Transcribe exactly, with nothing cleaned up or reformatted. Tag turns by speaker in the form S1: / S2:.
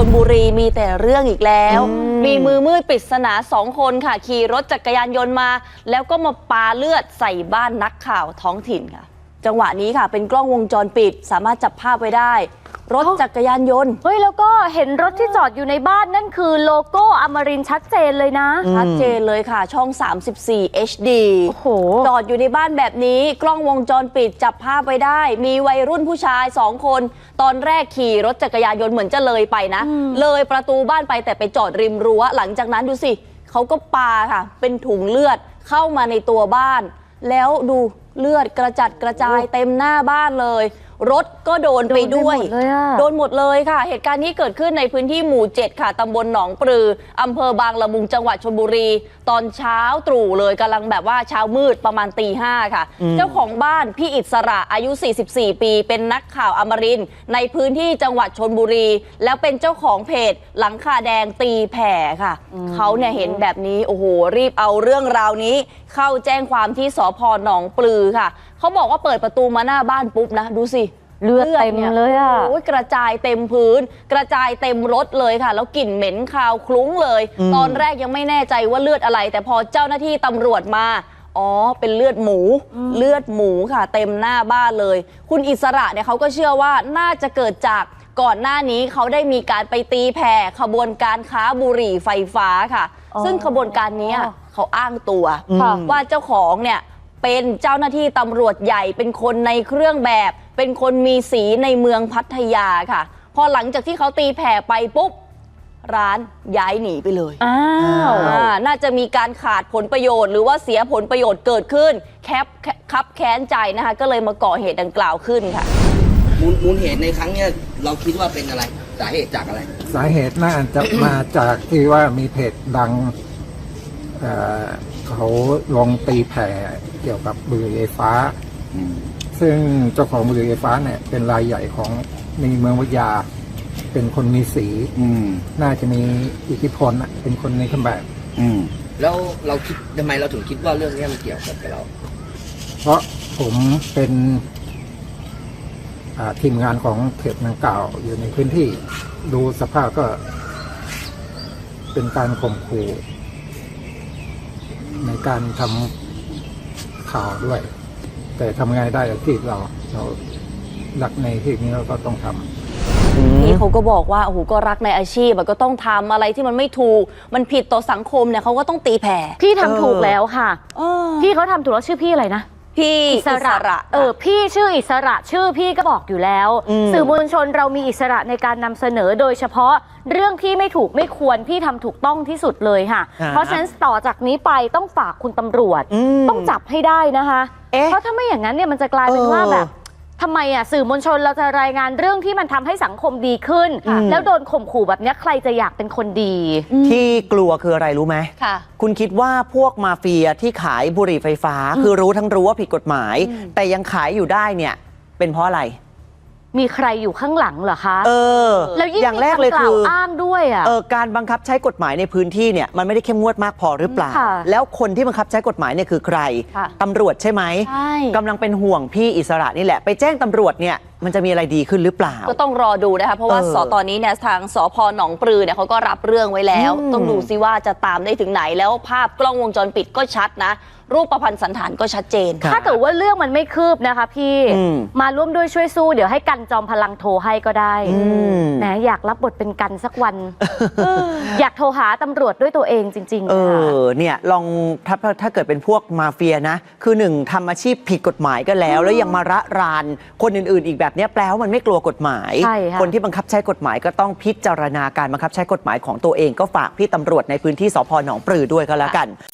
S1: ลบุรีมีแต่เรื่องอีกแล้วมีมือมืดปริศนาสองคนค่ะขี่รถจักรยานยนต์มาแล้วก็มาปาเลือดใส่บ้านนักข่าวท้องถิ่นค่ะจังหวะนี้ค่ะเป็นกล้องวงจรปิดสามารถจับภาพไว้ได้รถจักรยานยนต์
S2: เฮ้ยแล้วก็เห็นรถที่จอดอยู่ในบ้านนั่นคือโลโก้อมรินทร์ชัดเจนเลยนะ
S1: ชัดเจนเลยค่ะช่องสามสิบสี่ เอช ดี
S2: โอ้โห
S1: จอดอยู่ในบ้านแบบนี้กล้องวงจรปิดจับภาพไว้ได้มีวัยรุ่นผู้ชายสองคนตอนแรกขี่รถจักรยานยนต์เหมือนจะเลยไปนะเลยประตูบ้านไปแต่ไปจอดริมรั้วหลังจากนั้นดูสิเขาก็ปาค่ะเป็นถุงเลือดเข้ามาในตัวบ้านแล้วดูเลือดกระจัดกระจายเต็มหน้าบ้านเลยรถก็โดนไปด้วยโดนหมดเลยค่ะเหตุการณ์นี้เกิดขึ้นในพื้นที่หมู่เจ็ดค่ะตำบลหนองปลืออำเภอบางละมุงจังหวัดชลบุรีตอนเช้าตรู่เลยกำลังแบบว่าเช้ามืดประมาณตีห้าค่ะเจ้าของบ้านพี่อิสระอายุสี่สิบสี่ปีเป็นนักข่าวอมรินทร์ในพื้นที่จังหวัดชลบุรีแล้วเป็นเจ้าของเพจหลังคาแดงตีแผ่ค่ะเขาเนี่ยเห็นแบบนี้โอ้โหรีบเอาเรื่องราวนี้เข้าแจ้งความที่สภ.หนองปลือค่ะเขาบอกว่าเปิดประตูมาหน้าบ้านปุ๊บนะดูสิ
S2: เลือดเต็มเลยอ่ะ
S1: โอ้ยกระจายเต็มพื้นกระจายเต็มรถเลยค่ะแล้วกลิ่นเหม็นคาวคลุ้งเลยตอนแรกยังไม่แน่ใจว่าเลือดอะไรแต่พอเจ้าหน้าที่ตำรวจมาอ๋อเป็นเลือดหมูเลือดหมูค่ะเต็มหน้าบ้านเลยคุณอิสระเนี่ยเขาก็เชื่อว่าน่าจะเกิดจากก่อนหน้านี้เขาได้มีการไปตีแผ่ขบวนการค้าบุหรี่ไฟฟ้าค่ะซึ่งขบวนการนี้เขาอ้างตัวว่าเจ้าของเนี่ยเป็นเจ้าหน้าที่ตำรวจใหญ่เป็นคนในเครื่องแบบเป็นคนมีสีในเมืองพัทยาค่ะพอหลังจากที่เขาตีแผ่ไปปุ๊บร้านย้ายหนีไปเลยอ้าวน่าจะมีการขาดผลประโยชน์หรือว่าเสียผลประโยชน์เกิดขึ้นแคปคับแค้นใจนะคะก็เลยมาก่อเหตุดังกล่าวขึ้นค่ะ
S3: มูลมูลเหตุในครั้งนี้เราคิดว่าเป็นอะไรสาเหตุจากอะไร
S4: สาเหตุน่าจะมาจากที่ว่ามีเพจดังเเขาลงตีแผ่เกี่ยวกับบุหรี่ไฟฟ้าซึ่งเจ้าของบุหรี่ไฟฟ้าเนี่ยเป็นรายใหญ่ของในเมืองวิทยาเป็นคนมีสีน่าจะมีอิทธิพลเป็นคนในเครื่องแบบ
S3: แล้วเราคิดทำไมเราถึงคิดว่าเรื่องนี้มันเกี่ยวกับเรา
S4: เพราะผมเป็นทีมงานของเพจดังกล่าวอยู่ในพื้นที่ดูสภาพก็เป็นการข่มขู่ในการทำข่าวด้วยแต่ทำไงได้ที่เราเรารักในที่นี้เราก็ต้องทำ
S1: นี่เขาก็บอกว่าโอ้โหก็รักในอาชีพก็ต้องทำอะไรที่มันไม่ถูกมันผิดต่อสังคมเนี่ยเขาก็ต้องตีแผ่
S2: พี่ทำถูกแล้วค่ะพี่เขาทำถูกแล้วชื่อพี่อะไรนะ
S1: พี่อิสระ
S2: เออพี่ชื่ออิสระชื่อพี่ก็บอกอยู่แล้วสื่อมวลชนเรามีอิสระในการนำเสนอโดยเฉพาะเรื่องที่ไม่ถูกไม่ควรพี่ทำถูกต้องที่สุดเลยค่ะเพราะฉะนั้นต่อจากนี้ไปต้องฝากคุณตำรวจต้องจับให้ได้นะคะเพราะถ้าไม่อย่างนั้นเนี่ยมันจะกลายเป็นว่าแบบทำไมอ่ะสื่อมวลชนเราจะรายงานเรื่องที่มันทำให้สังคมดีขึ้นแล้วโดนข่มขู่แบบนี้ใครจะอยากเป็นคนดี
S5: ที่กลัวคืออะไรรู้ไหมค่ะคุณคิดว่าพวกมาเฟียที่ขายบุหรี่ไฟฟ้าคือรู้ทั้งรู้ว่าผิดกฎหมายแต่ยังขายอยู่ได้เนี่ยเป็นเพราะอะไร
S2: มีใครอยู่ข้างหลังเหรอคะ
S5: เออ
S2: แล้วยิ่งอย่างแรกเลยคืออ้างด้วยอ่ะ
S5: เออการบังคับใช้กฎหมายในพื้นที่เนี่ยมันไม่ได้เข้มงวดมากพอหรือเปล่าแล้วคนที่บังคับใช้กฎหมายเนี่ยคือใครตำรวจใช่ไหมกำลังเป็นห่วงพี่อิสระนี่แหละไปแจ้งตำรวจเนี่ยมันจะมีอะไรดีขึ้นหรือเปล่า
S1: ก็ต้องรอดูนะคะเพราะว่าสตอนนี้เนี่ยทางสภ.หนองปลือเนี่ยเขาก็รับเรื่องไว้แล้วต้องดูซิว่าจะตามได้ถึงไหนแล้วภาพกล้องวงจรปิดก็ชัดนะรูปประพันธ์สันฐานก็ชัดเจน
S2: ถ้าเกิดว่าเรื่องมันไม่คืบนะคะพี่มาร่วมด้วยช่วยสู้เดี๋ยวให้กันจอมพลังโทรให้ก็ได้แหมอยากรับบทเป็นกันสักวันอยากโทรหาตำรวจด้วยตัวเองจริงๆ
S5: เออเนี่ยลองถ้าถ้าเกิดเป็นพวกมาเฟียนะคือหนึ่งทำอาชีพผิดกฎหมายก็แล้วแล้วยังมาระรานคนอื่นๆอีกแบบนี้แปลว่ามันไม่กลัวกฎหมายคนที่บังคับใช้กฎหมายก็ต้องพิจารณาการบังคับใช้กฎหมายของตัวเองก็ฝากพี่ตำรวจในพื้นที่สภ.หนองปลือด้วยก็แล้วกัน